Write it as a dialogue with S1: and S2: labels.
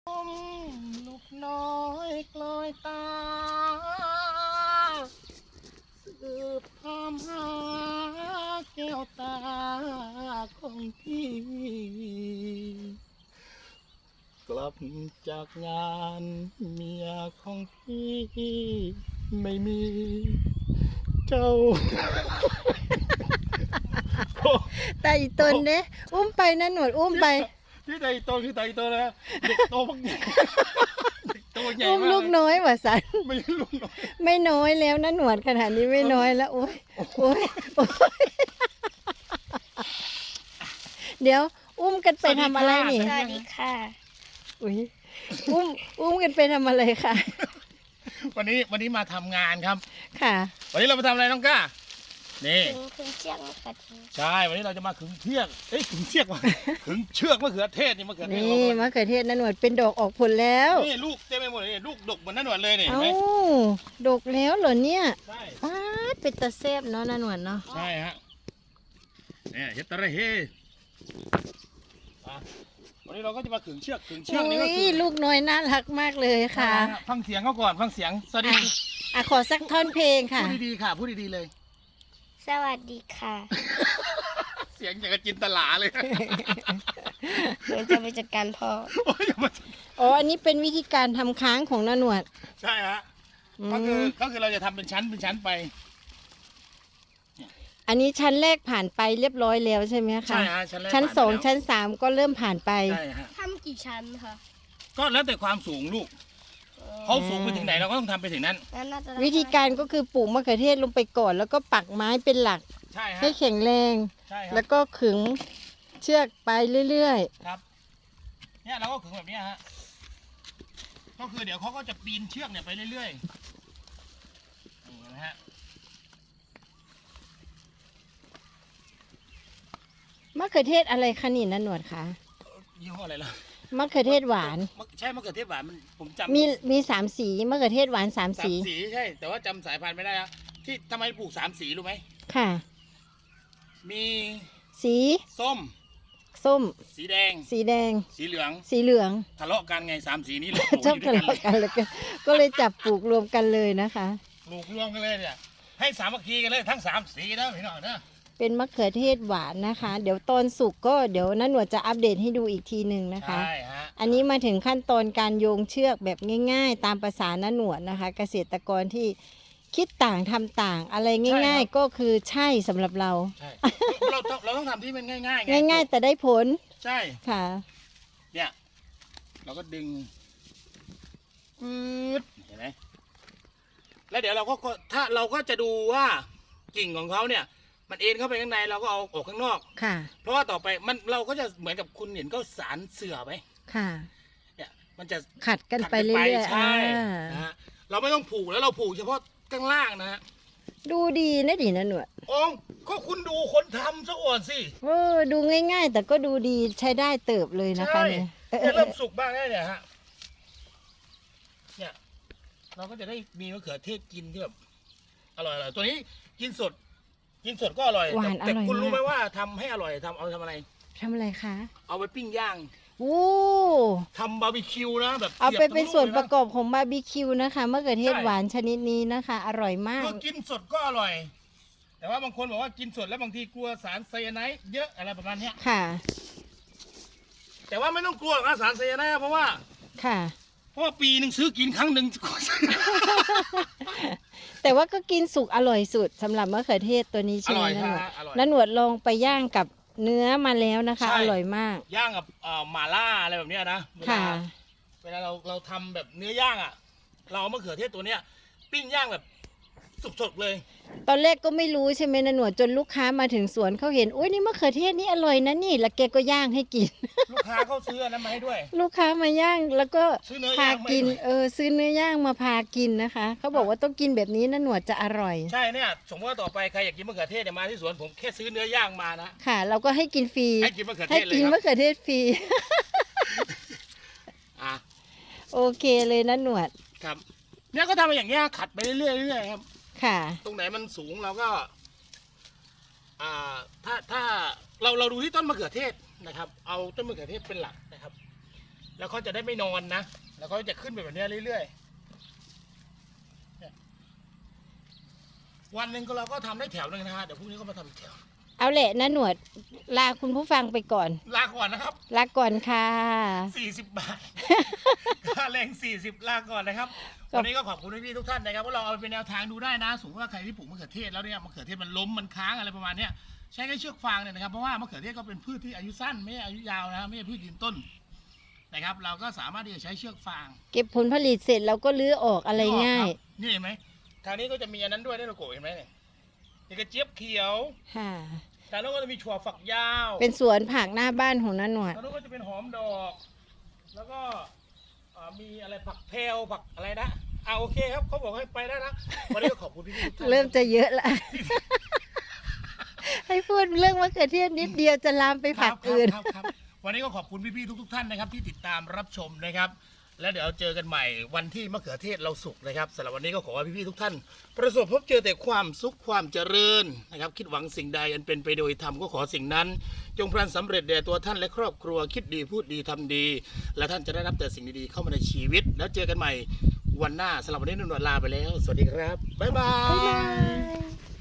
S1: ลูกน้อยกลอยตาสืบตามหาแก้วตาของพี่กลับจากงานเมียของพี่ไม่มีเจ้า
S2: ตาอีตนเด้อุ้มไปนะหนวดอุ้มไป
S1: ที่ไตโตคือไตโตนะเด็กโตมากใหญ่เด็กโตใหญ่
S2: อุ้ม
S1: มาก
S2: ลูกน้อยว่ะสัน
S1: ไม่ใช่ลูกน้อย
S2: ไม่น้อยแล้วนะหนวดขนาดนี้ไม่น้อยแล้วโอ้ยโอ้ยโอ้ยเดี๋ยว อุ้มกันไปทำอะไรนี่
S3: สวัสดีค่ะ
S2: อุ้ยอุ้มกันไปทำอะไรคะ
S1: วันนี้มาทำงานครับ
S2: ค่ะ
S1: วันนี้เรามาทำอะไรน้องก้านี่
S3: ถึงเชียงมะเขือเทศ
S1: ใช่วันนี้เราจะมาขึงเชือกขึงเชือกว่ะ ขึงเชือกมะเขือเทศนี่มะเขือเทศ
S2: นี่มะเขือเทศนะหนวดเป็นดอกออกผลแล้ว
S1: นี่ลูกเต็มไปหมดเลยนี่ลูกดกเหมือนนั่นหนวดเลยนี่เห็น
S2: เอ้า
S1: ไหม
S2: ดกแล้วเหรอเนี่ย
S1: ใช่
S2: ป้าดเป็นตะแซบเนาะนะหนวดเนาะ
S1: ใช่ฮะเนี่ยเฮดตะระเฮอ่ะวันนี้เราก็จะมาขึงเชือกนี่ก็
S2: อุ้ย
S1: คือ
S2: ลูกน้อยน่ารักมากเลยค่ะ
S1: ฟังเสียงเขาก่อนฟังเสียงสวัสดี
S2: อ่ะขอสักท่อนเพลงค่ะ
S1: พูดดีๆค่ะพูดดีๆเลย
S3: สวัสดีค่ะ
S1: เสียงอย่างกับจินตลาเลย
S3: หนูจะไปจัดการพ่อ
S1: โอ้ยอย่ามา
S2: อ๋อ อันนี้เป็นวิธีการทำค้างของนาหนวด
S1: ใช่ฮะ
S2: อื
S1: ก็คือ
S2: ม
S1: เราจะทำเป็นชั้นไป
S2: อันนี้ชั้นแรกผ่านไปเรียบร้อยแล้วใช่ไหมคะ
S1: ใช่ฮะชั้นแรก
S2: ชั้น
S1: ผ่านไป
S2: สอง
S1: แล้ว
S2: ชั้นสามก็เริ่มผ่านไป
S1: ใช่ฮะ
S3: ทำกี่ชั้นคะ
S1: ก็แล้วแต่ความสูงลูกเขาสูงไปถึงไหนเราก็ต้องทำไปถึงนั้น
S3: งั้นน่าจะ
S2: วิธีการก็คือปลูกมะเขือเทศลงไปก่อน แล้วก็ปักไม้เป็นหลัก
S1: ใช่ฮะ
S2: ให้แข็งแรง
S1: ใช่ครั
S2: แล้
S1: บ
S2: วก็ขึงเชือกไปเรื่อย
S1: ครับเนี่ยเราก็ขึงแบบเนี้ยฮะก็คือเดี๋ยวเขาก็จะปีนเชือกเนี่ยไปเรื่อยๆนี่นะฮะ
S2: ๆ มะเขือเทศอะไรคะนี่นาหนวดคะ
S1: ยี่ห้ออะไรล่ะ
S2: มะเขือเทศหวาน
S1: ใช่มะเขือเทศหวานมันผมจำ
S2: มีสามสีมะเขือเทศหวานสาม
S1: สาม
S2: สี
S1: สีใช่ แต่ว่าจำสายพันธุ์ไม่ได้แล้วที่ทำไมปลูก3 สีรู้ไหม
S2: ค่ะ
S1: มี
S2: สี
S1: ส้ม
S2: ส้ม
S1: สีแดง
S2: สีแดง
S1: สีเหลือง
S2: สีเหลือง
S1: ทะเลาะกันไง3 สีนี้เลย
S2: ชอบทะเลาะกันเลยก็เลยจับปลูกรวมกันเลยนะคะ
S1: ปลูกรวมกันเลยเนี่ยให้สามัคคีกันเลยทั้ง3 สีนะพี่น้องนะ
S2: เป็นมะเขือเทศหวานนะคะ เดี๋ยวตอนสุกก็เดี๋ยวน้าหนวดจะอัปเดตให้ดูอีกทีหนึ่งนะคะ
S1: ใช่ฮะ
S2: อันนี้มาถึงขั้นตอนการโยงเชือกแบบง่าย ๆ ตามภาษาน้าหนวดนะคะ เกษตรกรที่คิดต่างทำต่างอะไรง่าย ๆ ก็คือใช่สำหรับเรา
S1: ใช่เราต้องทำที่มันง่ายๆไง
S2: ง่ายๆ แต่ได้ผล
S1: ใช่
S2: ค่ะ
S1: เนี่ยเราก็ดึงปื๊ดเห็นไหมแล้วเดี๋ยวเราก็ถ้าเราก็จะดูว่ากิ่งของเขาเนี่ย มันเอ็นเข้าไปข้างในเราก็เอาออกข้างนอก
S2: ค่ะ
S1: เพราะว่าต่อไปเราก็จะเหมือนกับคุณเห็นก็สารเสื่อไหม
S2: ค่ะ
S1: เนี่ยมันจะ
S2: ขัดกัน
S1: ขัด
S2: ไปเรื่อยๆ
S1: ใช่
S2: อ่า
S1: นะฮะเราไม่ต้องผูกแล้วเราผูกเฉพาะข้างล่างนะฮะ
S2: ดูดีนะดิน้าหนวด
S1: โอ้ก็คุณดูคนทำซะก่อนสิ
S2: ดูง่าย ๆ แต่ก็ดูดีใช้ได้เติบเลยนะคะ
S1: ใช่
S2: เนี่ย
S1: เนี่ยเริ่มสุกบ้างแล้วเนี่ยฮะเนี่ยเราก็จะได้มีมะเขือเทศกินที่แบบอร่อยๆตัวนี้กินสดก็อร่อย
S2: หวาน
S1: แต่
S2: อร่อย
S1: คุณรู้
S2: มาก
S1: ไหมว่าทำให้อร่อยเอาทำอะไร
S2: ทำอะไรคะ
S1: เอาไปปิ้งย่าง
S2: โอ้
S1: ทำบาร์บีคิวนะแบบ
S2: เอาไป
S1: สียบ
S2: เป็น
S1: ตง
S2: ส่วน
S1: ลู
S2: ประกอบของบาร์บีคิวนะคะมะเขือเทศหวานชนิดนี้นะคะ อร่อยมาก
S1: คือกินสดก็อร่อย แต่ว่าบางคนบอกว่ากินสดแล้วบางทีกลัวสารไซยาไนด์เยอะอะไรประมาณเนี้ย
S2: ค่ะ
S1: แต่ว่าไม่ต้องกลัวหรอกนะสารไซยาไนด์เพราะว่า
S2: ค่ะ
S1: ปีหนึ่งซื้อกินครั้งหนึ่ง
S2: แต่ว่าก็กินสุกอร่อยสุดสำหรับมะเขือเทศตัวนี้
S1: อ
S2: ใช่ไหม
S1: ร่อย
S2: นะหนวด
S1: ฮะอร่อย
S2: แล้วหนวดลองไปย่างกับเนื้อมาแล้วนะคะ
S1: ใช่
S2: อร่อยมาก
S1: ย่างกับหม่าล่าอะไรแบบเนี้ยนะเวลา
S2: ค่ะ
S1: เวลาเราทำแบบเนื้อย่างอ่ะ เราเอามะเขือเทศตัวเนี้ย ปิ้งย่างแบบสดๆเลย
S2: ตอนแรกก็ไม่รู้ใช่ไหมนะหนวดจนลูกค้ามาถึงสวนเขาเห็นอุ้ยนี่มะเขือเทศนี่อร่อยนะนี่แล้วแกก็ย่างให้กิน
S1: ลูกค้าเขาซื้ออันนั้นมาให้ด้วย
S2: ลูกค้ามาย่างแล้วก็
S1: ซื้อเนื้อ
S2: พา
S1: ย่างมาให้
S2: กิน
S1: ด้วย
S2: ซื้อเนื้อย่างมาพากินนะคะเขาบอกว่าต้องกินแบบนี้นะหนวดจะอร่อย
S1: ใช่เนี่ยสมมติว่าต่อไปใครอยากกินมะเขือเทศเนี่ยมาที่สวนผมแค่ซื้อเนื้อย่างมานะ
S2: ค่ะ เราก็ให้กินฟรี
S1: ให้กินมะเขือเท
S2: ให้
S1: ศเลย
S2: กิน
S1: ครั
S2: มะ
S1: บ
S2: เขือเทศฟรี
S1: อ่ะ
S2: โอเคเลยนะหนวด
S1: ครับ เนี่ยก็ทำมาอย่างเงี้ยขัดไปเรื่อยๆเรื่อยๆครับ
S2: ค่ะ
S1: ตรงไหนมันสูงเราก็ ถ้าเราดูที่ต้นมะเขือเทศนะครับ เอาต้นมะเขือเทศเป็นหลักนะครับแล้วเขาจะได้ไม่นอนนะแล้วเขาจะขึ้นไปแบบนี้เรื่อยๆเนี่ยวันหนึ่งเราก็ทำได้แถวหนึ่งนะฮะเดี๋ยวพรุ่งนี้ก็มาทำอีกแถว
S2: เอาแหละนะหนวดลาคุณผู้ฟังไปก่อน
S1: ลาก่อนนะครับ
S2: ลาก่อนค่ะ
S1: 40 บาท ค่าแรง40 ลาก่อนนะครับ วันนี้ก็ขอบคุณพี่ๆทุกท่านนะครับว่าเราเอาไปเป็นแนวทางดูได้นะสมมติว่าใครที่ปลูกมะเขือเทศแล้วเนี่ยมะเขือเทศมันล้มมันค้างอะไรประมาณเนี้ยใช้แค่เชือกฟางเนี่ยนะครับเพราะว่ามะเขือเทศก็เป็นพืชที่อายุสั้นไม่ใช่อายุยาวนะไม่ใช่พืชยืนต้นนะครับเราก็สามารถที่จะใช้เชือกฟาง
S2: เก็บผลผลิตเสร็จเราก็ลื้อออกอะไรง่าย
S1: นี่เห็นไหมทางนี้ก็จะมีอันนั้นด้วยได้โลโก้เห็นไหมเนี่ยนี่กระเจี๊ยบเขียว
S2: ค่ะ
S1: ทางโน้นก็จะมีถั่วฝักยาว
S2: เป็นสวนผักหน้าบ้านของน้าหนวด
S1: ทางโน้นก็จะเป็นหอมดอก แล้วก็มีอะไรผักเพลผักอะไรนะโอเคครับเขาบอกให้ไปได้นะวันนี้ก็ขอบคุณพี่ๆทุกท่าน
S2: เริ่มจะเยอะละ ให้พูดเรื่องมะเขือเทศนิดเดียวจะลามไปผักอื่น
S1: ครับวันนี้ก็ขอบคุณพี่ๆทุกท่านนะครับที่ติดตามรับชมนะครับ แล้วเดี๋ยวเจอกันใหม่วันที่มะเขือเทศเราสุกนะครับสำหรับวันนี้ก็ขอให้พี่ๆทุกท่าน ประสบพบเจอแต่ความสุขความเจริญนะครับคิดหวังสิ่งใดอันเป็นไปโดยธรรมก็ขอสิ่งนั้น จงพลันสำเร็จแด่ตัวท่านและครอบครัวคิดดีพูดดีทำดี และท่านจะได้รับแต่สิ่งดีๆเข้ามาในชีวิต แล้วเจอกันใหม่วันหน้าสำหรับวันนี้นุ่นวลลาไปแล้ว สวัสดีครับบ๊ายบา
S2: บ๊ายบาย ย